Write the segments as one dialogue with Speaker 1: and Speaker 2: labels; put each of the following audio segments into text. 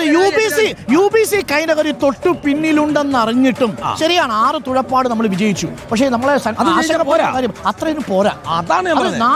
Speaker 1: UBC Kainakari തൊട്ടു പിന്നിലുണ്ടെന്ന് അറിഞ്ഞിട്ടും ശരിയാണ് 6 തുഴപ്പാട് നമ്മൾ വിജയിച്ചു. പക്ഷേ നമ്മളെ കാര്യം അത്രയും പോരാ. അതാണ്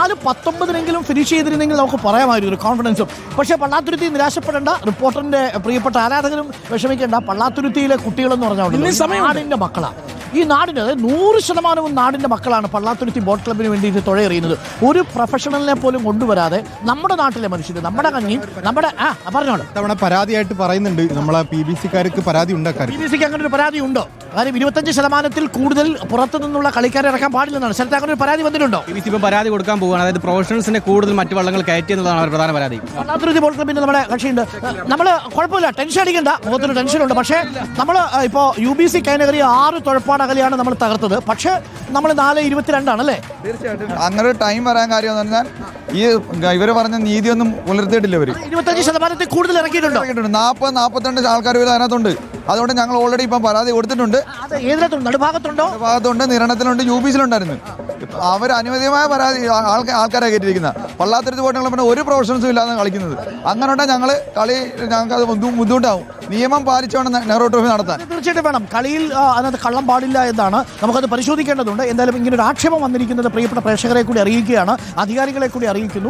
Speaker 1: 4-19 ഫിനിഷ് ചെയ്തിരുന്നെങ്കിൽ നമുക്ക് പറയാമായിരുന്നു ഒരു കോൺഫിഡൻസും. പക്ഷേ പള്ളാത്തുരുത്തി നിരാശപ്പെടേണ്ട, റിപ്പോർട്ടറിന്റെ പ്രിയപ്പെട്ട ആരാധകരും വിഷമിക്കേണ്ട. പള്ളാത്തുരുത്തിയിലെ കുട്ടികളെന്ന് പറഞ്ഞാൽ നാടിന്റെ മക്കളാണ്. ഈ നാടിന്, അതായത് 100% നാടിന്റെ മക്കളാണ് പള്ളാത്തുരുത്തി ബോട്ട് ക്ലബിന് വേണ്ടിയിട്ട് തുഴയെറിയുന്നത്. ഒരു പ്രൊഫഷണലിനെ പോലും കൊണ്ടുവരാതെ നമ്മുടെ നാട്ടിലെ മനുഷ്യർ, നമ്മുടെ കഞ്ഞി, നമ്മുടെ പറഞ്ഞോളൂ.
Speaker 2: തവണ പരാതിയായിട്ട് പറയുന്നുണ്ട് നമ്മളെ PBC-ക്കാർക്ക് പരാതി ഉണ്ടാക്കാൻ.
Speaker 1: PBC-ക്ക് അങ്ങനെ ഒരു പരാതി ഉണ്ടോ? കാര്യം 25% കൂടുതൽ പുറത്തു നിന്നുള്ള കളിക്കാരെ ഇറക്കാൻ പാടില്ലെന്നാണ്. സ്ഥലത്ത് അങ്ങനെ ഒരു പരാതി വന്നിട്ടുണ്ടോ?
Speaker 3: PBC ഇപ്പം പരാതി കൊടുക്കാൻ പോവുകയാണ്. അതായത് പ്രൊഫഷണൽസിനെ കൂടുതൽ മറ്റു വള്ളങ്ങൾ കയറ്റി എന്നതാണ് അവർ പ്രധാന പരാതി.
Speaker 1: പള്ളാത്തുരുത്തി ബോട്ട് ക്ലബിന്റെ നമ്മുടെ കക്ഷിയുണ്ട്. നമ്മൾ കുഴപ്പമില്ല, ടെൻഷൻ അടിക്കണ്ട, മുഖത്തൊരു ടെൻഷനുണ്ട്. പക്ഷേ നമ്മൾ ഇപ്പോൾ UBC കൈനകരി 6 തുഴപ്പാട് അകലെയാണ് നമ്മൾ തകർത്തത്. പക്ഷേ നമ്മൾ 4:22 അല്ലേ?
Speaker 4: തീർച്ചയായിട്ടും അങ്ങനെ ഒരു ടൈം വരാൻ കാര്യം എന്ന് പറഞ്ഞാൽ ഈ ഇവര് പറഞ്ഞ നീതിയൊന്നും പുലർത്തിയിട്ടില്ല. ഇവര്
Speaker 1: 25% കൂടുതൽ ഇറക്കിയിട്ടുണ്ട്.
Speaker 4: 40-42 ആൾക്കാർ അതിനകത്തുണ്ട്. അതുകൊണ്ട് ഞങ്ങൾ ഓൾറെഡി ഇപ്പം പരാതി കൊടുത്തിട്ടുണ്ട്.
Speaker 1: നടുഭാഗത്തുണ്ടോ?
Speaker 4: ഭാഗത്തുണ്ട്, നിരണത്തിലുണ്ട്, UBC-ലുണ്ടായിരുന്നു. അവർ അനുവദിയമായ പരാതി ആൾക്കാരെ കയറ്റിയിരിക്കുന്ന പള്ളാത്തുരുത്തി ബോട്ട് ക്ലബിന് ഒരു പ്രൊഫഷൻസും ഇല്ലാതെ കളിക്കുന്നത്. അങ്ങനെ ഉണ്ടെങ്കിൽ ഞങ്ങൾക്ക് അത് ബുദ്ധിമുട്ടാവും. നിയമം പാലിച്ചുകൊണ്ട് നെഹ്റു ട്രോഫി നടത്താൻ
Speaker 1: തീർച്ചയായിട്ടും വേണം. കളിയിൽ അതിനകത്ത് കള്ളം പാടില്ല എന്നാണ്, നമുക്കത് പരിശോധിക്കേണ്ടതുണ്ട്. എന്തായാലും ഇങ്ങനെ ഒരു ആക്ഷേപം വന്നിരിക്കുന്നത് പ്രിയപ്പെട്ട പ്രേക്ഷകരെ കൂടി അറിയിക്കുകയാണ്, അധികാരികളെ കൂടി അറിയിക്കുന്നു.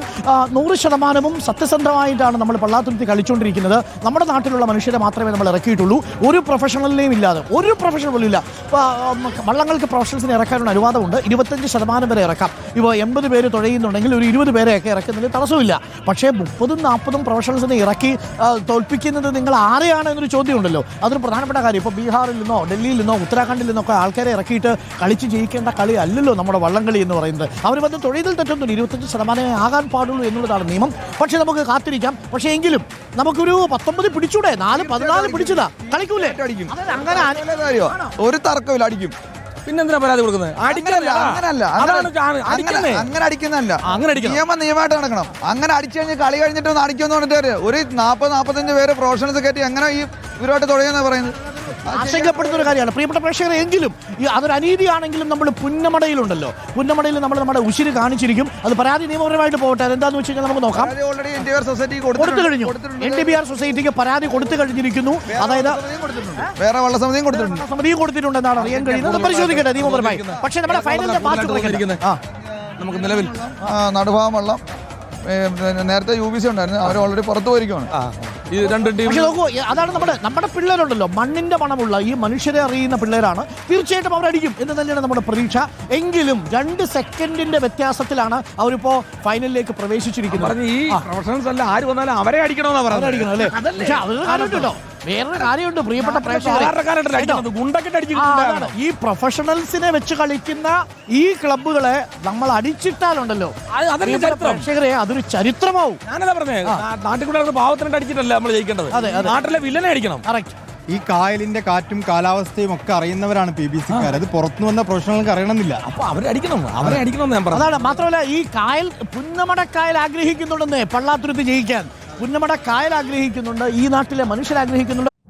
Speaker 1: 100% സത്യസന്ധമായിട്ടാണ് നമ്മൾ പള്ളാത്തുരുത്തി കളിച്ചുകൊണ്ടിരിക്കുന്നത്. നമ്മുടെ നാട്ടിലുള്ള മനുഷ്യരെ മാത്രമേ നമ്മൾ ഇറക്കിയിട്ടുള്ളൂ. ഒരു പ്രൊഫഷണലിനെയും ഇല്ലാതെ, ഒരു പ്രൊഫഷണൽ പോലും ഇല്ല. വള്ളങ്ങൾക്ക് പ്രൊഫഷണൽസിനെ ഇറക്കാനുള്ള അനുവാദമുണ്ട്. 25% വരെ ഇറക്കാം. ഇപ്പോൾ 80 പേര് തുഴയുന്നുണ്ടെങ്കിൽ ഒരു 20 പേരെയൊക്കെ ഇറക്കുന്നതിൽ തടസ്സമില്ല. പക്ഷേ 30-40 പ്രൊഫഷണൽസിനെ ഇറക്കി തോൽപ്പിക്കുന്നത് നിങ്ങൾ ആരെയാണ് എന്നൊരു ചോദ്യം ഉണ്ടല്ലോ. അതൊരു പ്രധാനപ്പെട്ട കാര്യം. ഇപ്പോൾ ബീഹാറിൽ നിന്നോ ഡൽഹിയിൽ നിന്നോ ഉത്തരാഖണ്ഡിൽ നിന്നൊക്കെ ആൾക്കാരെ ഇറക്കിയിട്ട് കളിച്ച് ജയിക്കേണ്ട കളി അല്ലല്ലോ നമ്മുടെ വള്ളംകളി എന്ന് പറയുന്നത്. അവർ വന്ന് തൊഴിലിൽ തെറ്റൊന്നുമില്ല. 25% ആകാൻ പാടുള്ളൂ എന്നുള്ളതാണ് നിയമം. പക്ഷേ നമുക്ക് കാത്തിരിക്കാം. പക്ഷേ എങ്കിലും നമുക്കൊരു 19 പിടിച്ചൂടെ? 4-14 പിടിച്ചതാ, കളിക്കൂലേ?
Speaker 4: അങ്ങനെ ഒരു തർക്കമില്ല, അടിക്കും.
Speaker 3: പിന്നെന്തിനാ പരാതി കൊടുക്കുന്നത്?
Speaker 4: അങ്ങനെ അടിക്കുന്നതല്ല, നിയമമായിട്ട് നടക്കണം. അങ്ങനെ അടിച്ചു കഴിഞ്ഞ് കളി കഴിഞ്ഞിട്ട് ഒന്ന് അടിക്കുമെന്ന് പറഞ്ഞിട്ട് ഒരു 40-45 പേര് പ്രൊഫഷണൽസ് കയറ്റി എങ്ങനെ ഈ ഇവരോട്ട് തുടങ്ങിയെന്നാണ് പറയുന്നത്.
Speaker 1: ആശങ്കപ്പെടുന്ന ഒരു കാര്യമാണ് പ്രിയപ്പെട്ട പ്രേക്ഷകരെ. എങ്കിലും അതൊരു അനീതിയാണെങ്കിലും നമ്മൾ പുന്നമടയിലുണ്ടല്ലോ, പുന്നമടയിൽ നമ്മൾ നമ്മുടെ ഉശിര് കാണിച്ചിരിക്കും. അത് പരാതി നിയമപരമായിട്ട് പോകട്ടെ. എന്താണെന്ന് വെച്ച് കഴിഞ്ഞാൽ നമുക്ക് നോക്കാം. കൊടുത്തു കഴിഞ്ഞു. NTBR സൊസൈറ്റിക്ക് പരാതി കൊടുത്തു കഴിഞ്ഞിരിക്കുന്നു. അതായത്
Speaker 4: വേറെ വള്ളസമിതിയും
Speaker 1: കൊടുത്തിട്ടുണ്ടെന്നാണ് അറിയാൻ കഴിയുന്നത്. പരിശോധിക്കട്ടെ നിയമപരമായി. പക്ഷേ നമ്മുടെ ഫൈനലിന്റെ
Speaker 4: നമുക്ക് നിലവിൽ നടുഭാഗം വള്ളം നേരത്തെ UBC ഉണ്ടായിരുന്നു, അവർ ഓൾറെഡി പുറത്തു പോയിരിക്കുകയാണ്.
Speaker 1: നോക്കൂ, അതാണ് നമ്മുടെ പിള്ളേരുണ്ടല്ലോ, മണ്ണിന്റെ മണമുള്ള ഈ മനുഷ്യരെ അറിയുന്ന പിള്ളേരാണ്. തീർച്ചയായിട്ടും അവരടിക്കും എന്ന് തന്നെയാണ് നമ്മുടെ പ്രതീക്ഷ. എങ്കിലും 2 സെക്കൻഡിന്റെ വ്യത്യാസത്തിലാണ് അവരിപ്പോ ഫൈനലിലേക്ക് പ്രവേശിച്ചിരിക്കുന്നത്.
Speaker 3: ഈ പ്രൊഫഷണൽസ് അല്ല, ആര് വന്നാലും അവരെ അടിക്കണമെന്നാ പറയുന്നത്
Speaker 1: അല്ലേ? പക്ഷെ അതൊരു കാര്യമുണ്ടല്ലോ, വേറൊരു കാര്യമുണ്ട് പ്രിയപ്പെട്ട പ്രേക്ഷകരെ. ഈ പ്രൊഫഷണൽസിനെ വെച്ച് കളിക്കുന്ന ഈ ക്ലബ്ബുകളെ നമ്മൾ അടിച്ചിട്ടാലുണ്ടല്ലോ പ്രേക്ഷകരെ, അതൊരു ചരിത്രമാവും.
Speaker 3: ഞാനതാ പറഞ്ഞേ, നാട്ടിൽ കൂടെ ഭാവത്തിനായിട്ട് അടിച്ചിട്ടല്ല നമ്മൾ ജയിക്കേണ്ടത്, നാട്ടിലെ വില്ലനെ അടിക്കണം.
Speaker 2: ഈ കായലിന്റെ കാറ്റും കാലാവസ്ഥയും ഒക്കെ അറിയുന്നവരാണ് PBC-ക്കാർ. അത് പുറത്തു വന്ന പ്രൊഫഷണൽക്ക് അറിയണമെന്നില്ല.
Speaker 3: അപ്പൊ അവരെ അടിക്കണം ഞാൻ പറഞ്ഞു.
Speaker 1: അതാണ്. മാത്രമല്ല ഈ കായൽ, പുന്നമടക്കായൽ ആഗ്രഹിക്കുന്നുണ്ടെന്നേ പള്ളാത്തുരുത്തി ജയിക്കാൻ. പുന്നമടക്കായൽ ആഗ്രഹിക്കുന്നുണ്ട്, ഈ നാട്ടിലെ മനുഷ്യർ ആഗ്രഹിക്കുന്നുണ്ട്.